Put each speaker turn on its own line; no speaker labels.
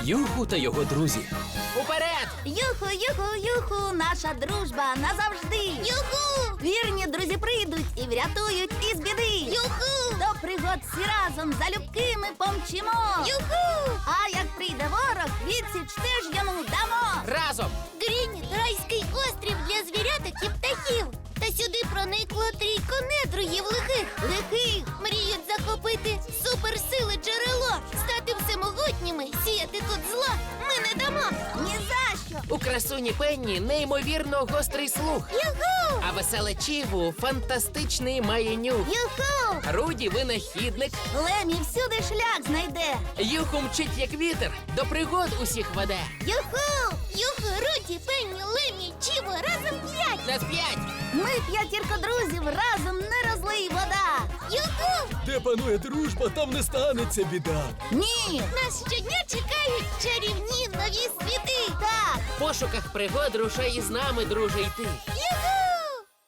Юху та його друзі.
Уперед!
Юху, юху, юху, наша дружба назавжди. Юху! Вірні друзі прийдуть і врятують із біди. Юху! До пригод всі разом залюбки ми помчимо. Юху! А як прийде ворог, відсіч теж йому дамо.
Разом!
Грініт – райський острів для звіряток і птахів. Та сюди проникло трійко недругів лихих.
Лихих!
Мріють захопити суперсили джерело, стати всемогутніми, сіяти тут зла ми не дамо.
Ні за що!
У красуні Пенні неймовірно гострий слух.
Юху!
А веселе Чіву фантастичний має нюх.
Юху!
Руді винахідник.
Лемі всюди шлях знайде.
Юху мчить як вітер, до пригод усіх веде.
Юху!
Юху, Руді, Пенні, Лемі, Чіво, разом 5!
На 5!
Ми п'ятірка друзів, разом не розлий вода.
Юху!
Де панує дружба, там не станеться біда.
Ні!
Нас щодня чекають чарівні нові світи!
Так!
В пошуках пригод рушай із нами, друже, йти.
Юху!